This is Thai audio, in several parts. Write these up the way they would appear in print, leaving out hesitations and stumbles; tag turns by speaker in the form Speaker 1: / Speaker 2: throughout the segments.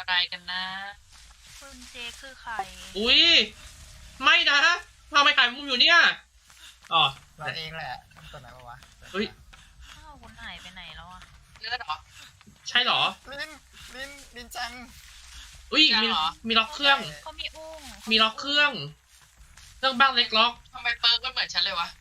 Speaker 1: อะไรกันนะ
Speaker 2: คุณเจคือใคร
Speaker 3: อุ้ยไม่นะทำไมขายมุมอยู่เนี่ยอ๋อ
Speaker 4: เราเองแหละตัวไหนวะ
Speaker 3: เฮ้ย
Speaker 2: อ้าวคุณหายไปไหนแล้วอ่ะ
Speaker 1: เลือดเหรอ
Speaker 3: ใช่เหรอ
Speaker 4: ลินจัง
Speaker 3: อุ้ยมีล็อกเครื่อง
Speaker 2: เขามีอุ้ง
Speaker 3: มีล็อกเครื่องบ้างเล็กล็อก
Speaker 1: ทำไมเปิร์กก็เหมือนฉันเลยวะ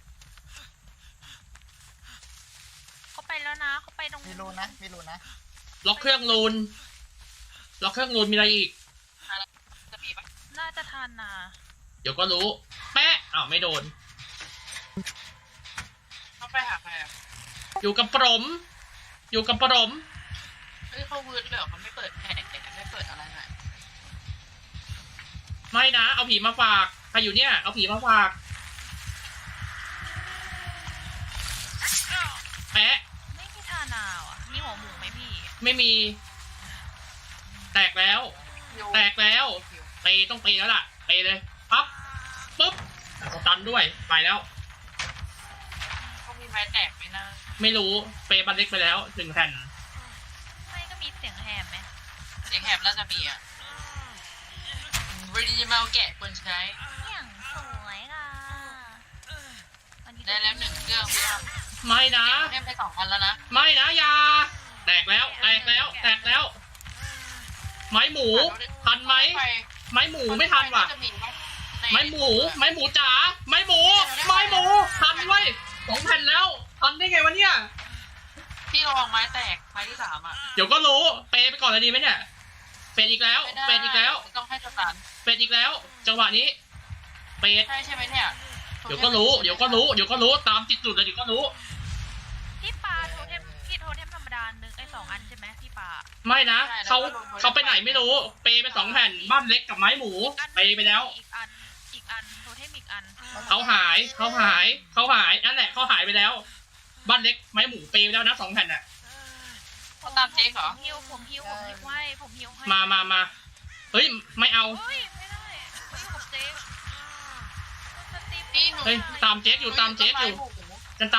Speaker 2: เขาไปแล้วนะเขาไปตรง
Speaker 4: มีรูนนะ
Speaker 3: ล็อกเครื่องรูนมีอะไรอีก
Speaker 1: จะมีปะ
Speaker 2: น่าจะทันนะ
Speaker 3: เดี๋ยวก็รู้แปะอ้าวไม่โดน
Speaker 1: เขาไปหาใครอ่ะ
Speaker 3: อยู่กับปรม
Speaker 1: เฮ้ยเขาวืดเลยเหรอเขาไม่เปิดแผงไม่เปิดอะไรหน่อย
Speaker 3: ไม่นะเอาผีมาฝากใครอยู่เนี่ยเอาผีมาฝากแปะ
Speaker 2: ไม่มีทานาวอ่ะมีหัวหมูไหมพี่
Speaker 3: ไม่มีแตกแล้วเปต้องเปแล้วล่ะเปเลยปั๊บปุ๊บสตันด้วยไปแล้ว
Speaker 1: เขามีไม้แตกไหมนะ
Speaker 3: ไม่รู้เปบันเล็กไปแล้ว1แผ่น
Speaker 2: ไม่ก็มีเสียงแหบไหม
Speaker 1: เสียงแหบน่าจะมีอ่ะบริจิมาแกะคนใช้
Speaker 2: อย่างสวยค่ะ
Speaker 1: ได้แล้ว1เครื่องพี่อ้ำ
Speaker 3: ไม่นะ
Speaker 1: เล่นไป2 อันแล้วนะ
Speaker 3: ไม่นะยาแตกแล้วไม้หมูทันไหมไม้หมูไม่ทันว่ะไม้หมูจ๋าไม้หมูทันไว้2 แผ่นแล้วทันได้ไงวะเนี่ย
Speaker 1: พี่ระวังไม้แตกไม้ที่3อ่ะ
Speaker 3: เดี๋ยวก็รู้เปไปก่อนเลยดีไหมเนี่ยเป็ดอีกแล้ว
Speaker 1: ต้องให้สตัน
Speaker 3: เป็ดอีกแล้วจังหวะนี้เป็ด
Speaker 1: ใช่ไหมเนี่ย
Speaker 3: เดี๋ยวก็รู้ตามติดจุดเลยเดี๋ยวก็รู้
Speaker 2: พี่ปาโทเทมธรรมดา1 2 อันใช่ไหมพี่ปา
Speaker 3: ไม่นะเขาไปไหนไม่รู้เปไป2 แผ่นบ้านเล็กกับไม้หมูเปไปแล้ว
Speaker 2: อีกอันโทเทมอีกอัน
Speaker 3: เขาหายนั่นแหละเขาหายไปแล้วบ้านเล็กไม้หมูเปไปแล้วนะ2 แผ่นน่ะ
Speaker 1: เขาตามเจ๊เหรอ
Speaker 2: ผมฮิวให้
Speaker 3: มาเฮ้ยไม่เอา
Speaker 2: เฮ้ยไม่ได้เขาอยู่กับเจ๊
Speaker 3: เฮ้ยตามเจ๊กอยู่กันตามเจ๊กอยู่
Speaker 1: หนู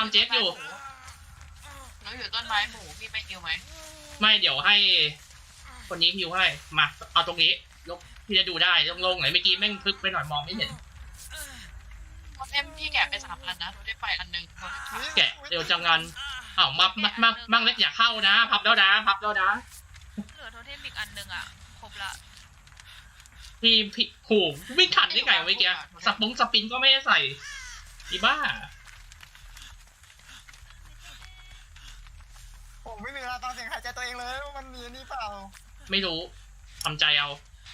Speaker 1: อยู่ต้นไม้หมูพี่ไม่ฮิวไหม
Speaker 3: ไม่เดี๋ยวให้คนนี้ฮิวให้มาเอาตรงนี้ยกพี่จะดูได้ลงไหนเมื่อกี้แม่งทึกไปหน่อยมองไม่เห็น
Speaker 1: พี่แกะไป3 อันนะหนูได้ไปอันนึง
Speaker 3: แกะเดี๋ยวจังงันอ้าวมั่งเล็กอย่าเข้านะพับแล้วนะ
Speaker 2: เหลือโทเทมอีกอันนึงอ่ะครบละ
Speaker 3: พี่โหวิ่งขันได้ไงเมื่อกี้สปินก็ไม่ได้ใส่อีบ้า
Speaker 4: ผมไม่มีเวลาฟังเสียงหายใจตัวเองเลยมันมีนี่เปล่า
Speaker 3: ไม่รู้ทำใจเอา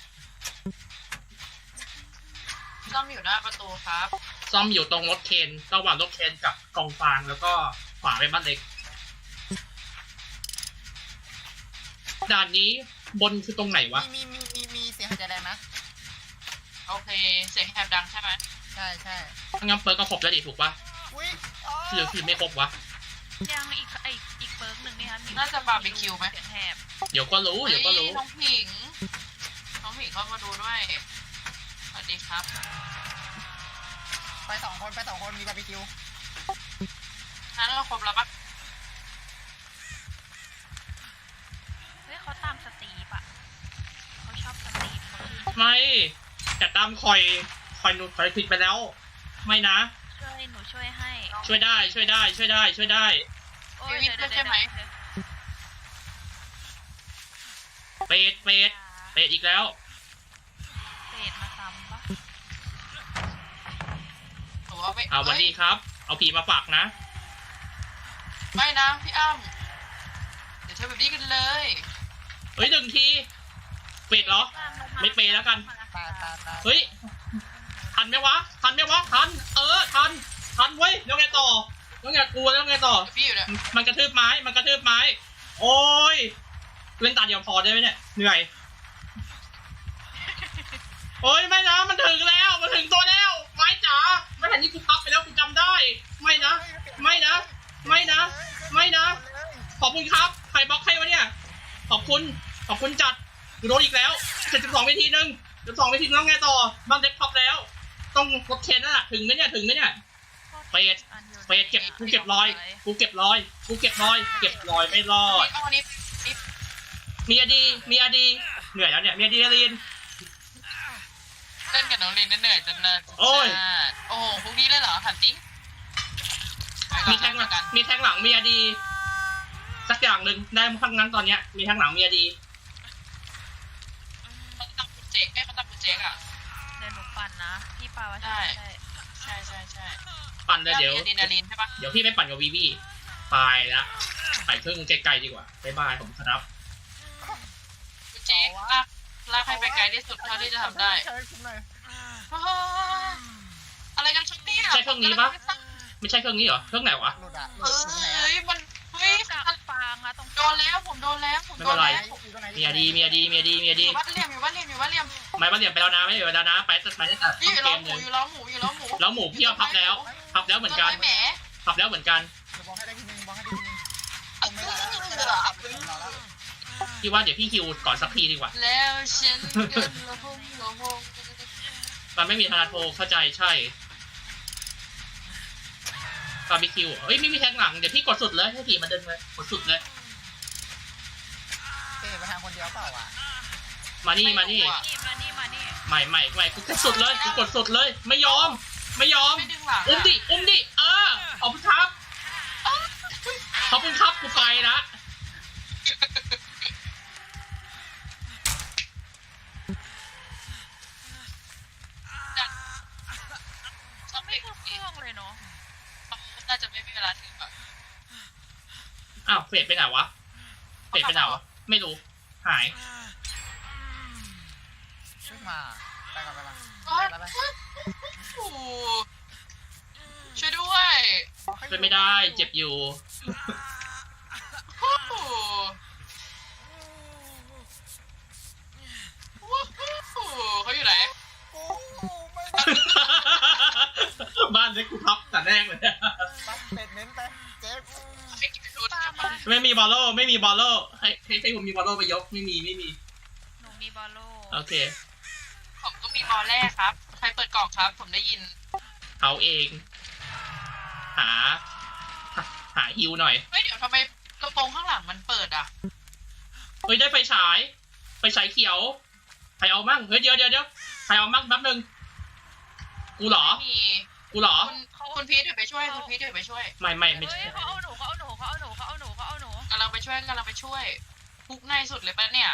Speaker 1: ซ่อมอยู่หน้าประตูครับ
Speaker 3: ซ่อมอยู่ตรงรถเคนระหว่างรถเคนกับกองฟางแล้วก็ขวาไปบ้านเล็กด่านนี้บนคือตรงไหนวะ
Speaker 4: มีเสียงหายใจแรงนะ
Speaker 1: โอเคเสียงแหบดังใช่ไหม
Speaker 4: ใช่
Speaker 3: งั้นเปิร์กก็ครบแล้วดิถูกปะหรือไม่ครบวะ
Speaker 2: ยังอีกเปิร์กหนึ่งนี่คะ
Speaker 1: น่าจะบาร์บีคิวไหม
Speaker 2: เสียงแหบ
Speaker 3: เดี๋ยวก็รู้
Speaker 1: น้องผิงเข้ามาดูด้วยสวัสดีครับ
Speaker 4: ไป2 คนมีบาร์บีคิว
Speaker 1: นั้นเราครบแล้วปะ
Speaker 2: เฮ้ยเขาตามสตีฟอะเขาชอบสตีฟ
Speaker 3: ไม่จะตามคอยหนูผิดไปแล้วไม่นะ
Speaker 2: หนูช่วยให้
Speaker 3: ช่วยได้
Speaker 1: โอ้ยเดี๋ยวใช่ไหม
Speaker 3: เป็ดอีกแล้ว
Speaker 2: เป็ดมาซ้ำปะ
Speaker 3: เอาวันนี้ครับเอาผีมาฝากนะ
Speaker 1: ไม่นะพี่อ้ำเดี๋ยวเธอแบบนี้กันเลย
Speaker 3: เฮ้ย1 ทีเป็ดเหรอไม่เปแล้วกันเฮ้ยทันไหมวะทันทันเว้ยแล้วไงต่อแล้วไงต่อมันกระทืบไม้โอ้ยเล่นตาเดียวพอได้ไหมเนี่ยเหนื่อยโอ้ยไม่นะมันถึงตัวแล้วไม้จ๋าไม่เห็นที่กูพับไปแล้วกูจำได้ไม่นะขอบคุณครับใครบล็อกให้วะเนี่ยขอบคุณจัดกูโดนอีกแล้ว72 วิธีนึงแล้วไงต่อบ้านเล็กพับแล้วต้องรถเคนน่ะถึงไหมเนี่ยเป็ดกูเก็บรอยไม่รอดมีอดีเหนื่อยแล้วเนี่ยมีอะดรีนาลีน
Speaker 1: เล่นกับน้องลินเหนื่อยจนเนิน
Speaker 3: โอ้ย
Speaker 1: โอ้โหพวกนี้เลยเหรอถามจริง
Speaker 3: มีแทงหลังมีแทงหลังมีอะดีสักอย่างหนึ่งได้ทั้งนั้นตอนเนี้ยมีแทงหลังมีอะดี
Speaker 1: เขาตั้งคุณเจ๊กเขาตั้งคุณเจ๊กอ่ะ
Speaker 2: เดี๋ยวหนูปั่นนะพี่ปาว่า
Speaker 1: ได้
Speaker 2: ใช่
Speaker 1: ใช่
Speaker 3: ปั่นเลยเดี๋ยว
Speaker 1: มีอะดรีนาลีนใช่ปะ
Speaker 3: เดี๋ยวพี่ไปปั่นกับวีวีไปละไปเครื่องไกลๆดีกว่าบ๊ายบายผมครับ
Speaker 1: คุณเจ๊กลากให้ไปไกลที่สุดเท่าที่จะทำได้
Speaker 4: ใช้คุ้มหน่อย
Speaker 1: โอ้โหอะไรกันชุดเนี่ย
Speaker 3: ใช่เครื่องนี้ปะไม่ใช่เครื่องนี้เหรอเครื่องไหนวะ
Speaker 4: หลุดอ่ะหลุ
Speaker 1: เอ
Speaker 4: ดอยู่ไหน
Speaker 1: ้ยมันเฮ้ย
Speaker 2: กับฟางอะตรง
Speaker 1: โดนแล้วผมโดนแล้วผม
Speaker 3: ไม่
Speaker 1: โด
Speaker 3: เป็น
Speaker 1: น
Speaker 3: ไร
Speaker 1: แล้ว
Speaker 4: อยู่ตรงไหน
Speaker 3: มีอะดีมีอะดีมีอะดีมีอะ
Speaker 1: อ
Speaker 3: ดี
Speaker 1: ยู่บ้านเหลี่ยมอยู่บ้านเหลี่ยมอยู่บ้านเหลี่ยม
Speaker 3: ไม่มาเหลี่ยมไปแล้วนะไม่เหลี่ยมไปแล้วนะไปตัดต้น
Speaker 1: อยู่
Speaker 3: เก
Speaker 1: ล้อ
Speaker 3: ม
Speaker 1: ห
Speaker 3: ห
Speaker 1: มู
Speaker 3: นึ่ง
Speaker 1: อยู่ล้อหมูอยู่ล้อหมู
Speaker 3: แล้วหมูพี่เอาพับแล้วเหมือนกัน
Speaker 1: แหม
Speaker 3: พับแล้วเหมือนกัน
Speaker 4: เดี๋ยวบอกให้ได้ทีนึงบอกให้ได้ทีนึงผมไม่ได้แล้วไม่ได้แล้ว
Speaker 3: พี่ว่าเดี๋ยวพี่คิวก่อนสักทีดีกว่า
Speaker 1: แล้วฉันก็ละหงละหง
Speaker 3: มันไม่มีธนาโทเข้าใจใช่บาร์บีคิวเอ้ยไม่มีแทงหลังเดี๋ยวพี่กดสุดเลยให้ทีมันเดินเลยกดสุดเลย
Speaker 4: เอ๊ะไปทางคนเดียวเปล่าอ่ะ
Speaker 3: มานี่มานี่
Speaker 2: นี่มานี่
Speaker 3: ไม่กูกดสุดเลยกูกดสุดเลยไม่ยอม
Speaker 1: ไม่ดึงหลัง
Speaker 3: อุ้มดิขอบคุณครับขอบคุณครับกูไปละ
Speaker 2: เขาไม่คือเครื่องเลยเนาะ
Speaker 1: น่าจะไม่มีเวลาถึงอ่ะ
Speaker 3: อ้าวเฟดไปไหนวะไม่รู้หาย
Speaker 4: ช่วยมาไปก่อนไปก่อน
Speaker 1: ช่วยด้วย
Speaker 3: เป็นไม่ได้เจ็บอยู่
Speaker 1: เขาอยู่ไหน
Speaker 3: บ้านเล็กกูพับแต่แรกเลย
Speaker 4: ปั๊บเป็ดเน้นไปเจ๊
Speaker 3: ไม่มีบอลโล่ให้ผมมีบอลโล่ไปยกไม่มี
Speaker 2: หนูมีบอลโล
Speaker 3: โอเค
Speaker 1: ผมก็มีบอลแรกครับใครเปิดกล่องครับผมได้ยิน
Speaker 3: เขาเอง หาฮิวหน่อย
Speaker 1: เฮ้ยเดี๋ยวทำไมกระโปรงข้างหลังมันเปิดอ่ะ
Speaker 3: เฮ้ยได้ไฟฉายเขียวใครเอามั่งเฮ้ยเดี๋ยวใครเอามั่งแป๊บนึงกูเหรอ
Speaker 1: มี คุณพีทเดี๋ยวไปช่วยคุณพีทเดี๋ยวไปช่วย
Speaker 3: ไม่
Speaker 2: เฮ้
Speaker 3: ใช่
Speaker 2: ยเขาเอาหนู
Speaker 1: กำลังไปช่วยพุกในสุดเลยปะเนี่ย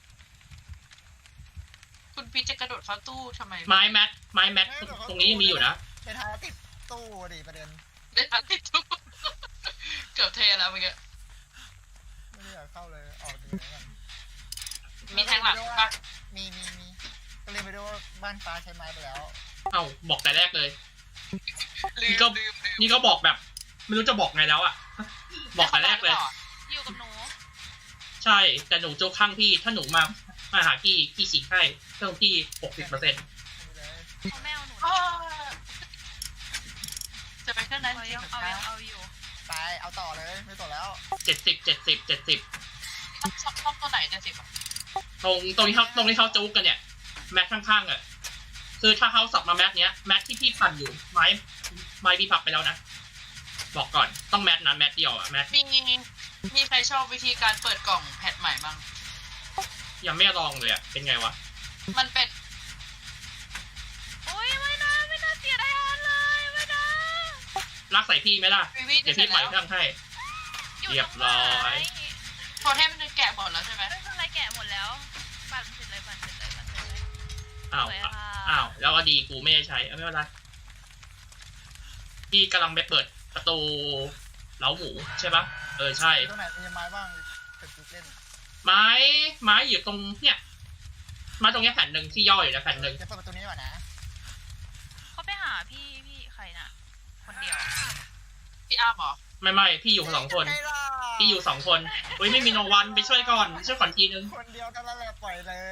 Speaker 1: คุณพีทจะกระโดดเข้าตู้ทำไม
Speaker 3: ไม้แมทตรงนี้ยังมีอยู่นะ
Speaker 4: เป็นทางติดตู้ดิประเด็น
Speaker 1: ได้ทันติดตู้ เกือบเทแล้วเมื่อกี้
Speaker 4: ไม่ได้อยากเข้าเลยออกจากไหนกัน
Speaker 1: มีแทงหลังปะ
Speaker 4: มีก็เลยไปดูว่าบ้านฟ้าใช้ไม้ไปแล้ว
Speaker 3: เอ้าบอกแต่แรกเลย
Speaker 1: ลื
Speaker 3: นี่ก็บอกแบบ ไม่รู้จะบอกไงแล้วอ่ะ บอกแต่แรกเลย
Speaker 2: อยู่กับหนู
Speaker 3: ใช่แต่หนูโจข้างพี่ถ้าหนูมาหาพี่ฉีกให้เครื่องพี่60%
Speaker 4: ไม่เลย
Speaker 2: เขาไม่เอาหนู
Speaker 1: อ้อจะไปเครื่องนั้น
Speaker 2: เขา
Speaker 1: จริง
Speaker 2: ยัง
Speaker 1: เหรอ
Speaker 2: เอาอยู่
Speaker 4: ไปเอาต่อเลยไม่ต่อแล้ว
Speaker 3: 70
Speaker 1: ช่องตัวไหนจะสิบ
Speaker 3: ตรงที่เขาจุกกันเนี่ยแม็กข้างๆอ่ะคือถ้าเขาสับมาแม็กเนี้ยแม็กที่พี่พันอยู่ไม้พี่พับไปแล้วนะบอกก่อนต้องแม็กนะแม็กเดียวอ่ะแม็ก
Speaker 1: มีใครชอบวิธีการเปิดกล่องแพทใหม่บ้าง
Speaker 3: ยังไม่ลองเลยอ่ะเป็นไงวะ
Speaker 1: มันเป็น
Speaker 2: โอ้ยไม่น่าเสียดายเลยไม่น่า
Speaker 3: รักใส่พี่ไหมล่ะ
Speaker 1: วิวี
Speaker 3: เดี๋ยวพี่ปล่อยเครื่องให้
Speaker 2: อยู่
Speaker 3: เรียบร้อย
Speaker 1: โทเทมมันแกะหมดแล้วใช่ไหม
Speaker 2: ไม่เป็นไรแกะหมดแล้วปั่นเสร็จเลย
Speaker 3: อ้าว
Speaker 2: สวยค่ะ
Speaker 3: อ้าวแล้วอดีกูไม่ได้ใช้ไม่เป็นไรพี่กำลังไปเปิดประตูเล้าหมูใช่ปะใช่
Speaker 4: ตรงไหนมีไม้บ้างเป็ดจุกเล่น
Speaker 3: ไม้อยู่ตรงเนี่ยไม้ตรงเนี้ยแผ่นหนึ่งที่ย่ออยู่นะแผ่นหนึ่ง
Speaker 4: จะเปิดประตูนี้ก่อนนะ
Speaker 2: เขาไปหาพี่ใครน่ะคนเดียว
Speaker 1: พี่อ้ามเหรอ
Speaker 3: ไม่พี่อยู่2 คนพี่อยู่2 คนเฮ้ยไม่มีโนวันไปช่วยก่อนทีนึง
Speaker 4: คนเดียวกันแล้วแหละปล่อยเลย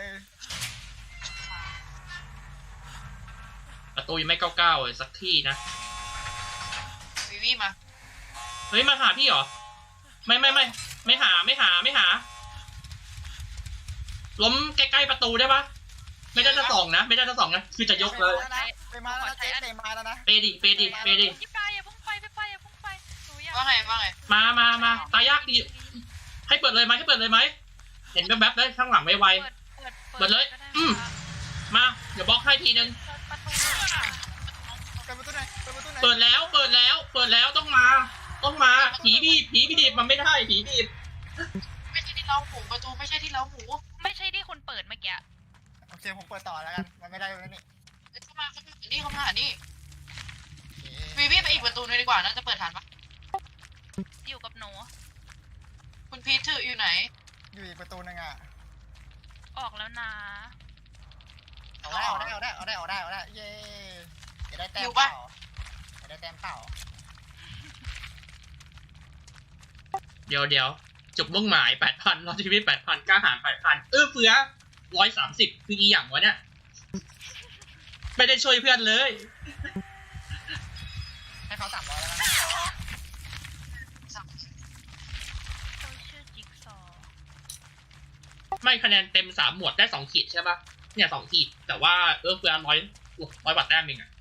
Speaker 3: ประตูยังไม่99เลยสักที่นะ
Speaker 1: วิวีมา
Speaker 3: เฮ้ยมาหาพี่เหรอไม่หาล้มใกล้ๆประตูได้ปะไม่ได้จะส่องนะคือจะยกเลย
Speaker 4: ไปมาแล้วเจ๊เตะมาแล้วนะ
Speaker 3: เปดิ
Speaker 2: พี่ปลายอย่าพุ่งไปหนูอยาก
Speaker 1: ว่าไง
Speaker 3: มาตายากดีให้เปิดเลยไหมเห็นแวบๆได้ข้างหลังไว
Speaker 2: เปิด
Speaker 3: เปิดเลย
Speaker 2: ก็ได้
Speaker 3: อืม มาเดี๋ยวบล็อกให้ทีนึง
Speaker 2: เปิดประตูเลยค่ะ
Speaker 4: เปิดประตูไหนเปิดประตูไหน
Speaker 3: เปิดแล้วต้องมาผีบีบมันไม่ได้ผีบีบ
Speaker 1: ไม่ใช่ที่เราหมูประตูไม่ใช่ที่เราหมู
Speaker 2: ไม่ใช่ที่คุณเปิดเมื่อกี้
Speaker 4: โอเคผมเปิดต่อแล้วกันมันไม่ได้แล้วนี่
Speaker 1: เข้ามานี่เข้ามานี่วีวีไปอีกประตูนึงดีกว่าน่าจะเปิดทันปะ
Speaker 2: อยู่กับหนู
Speaker 1: คุณพีทถืออยู่ไหน
Speaker 4: อยู่อีกประตูนึงอ่ะ
Speaker 2: ออกแล้วนะ
Speaker 4: เอาได้เย้จะได้แต้ม
Speaker 1: อยู่
Speaker 4: เป
Speaker 1: ปะ
Speaker 4: ล่าจะได้แต้มเปล่า
Speaker 3: เดี๋ยวจุดมุ่งหมาย 8,000รอดชีวิต 8,000กล้าหาญ 8,000เฟือ130คืออีหยังวะเนี่ยไม่ได้ช่วยเพื่อนเลย
Speaker 4: ให้เขา300แล้วกัน
Speaker 2: เขาชื่อจิ๊กซอว์
Speaker 3: ไม่คะแนนเต็ม3 หมวดได้2 ขีดใช่ปะเนี่ย2 ขีดแต่ว่าเฟือ100 กว่าแต้มเองอะ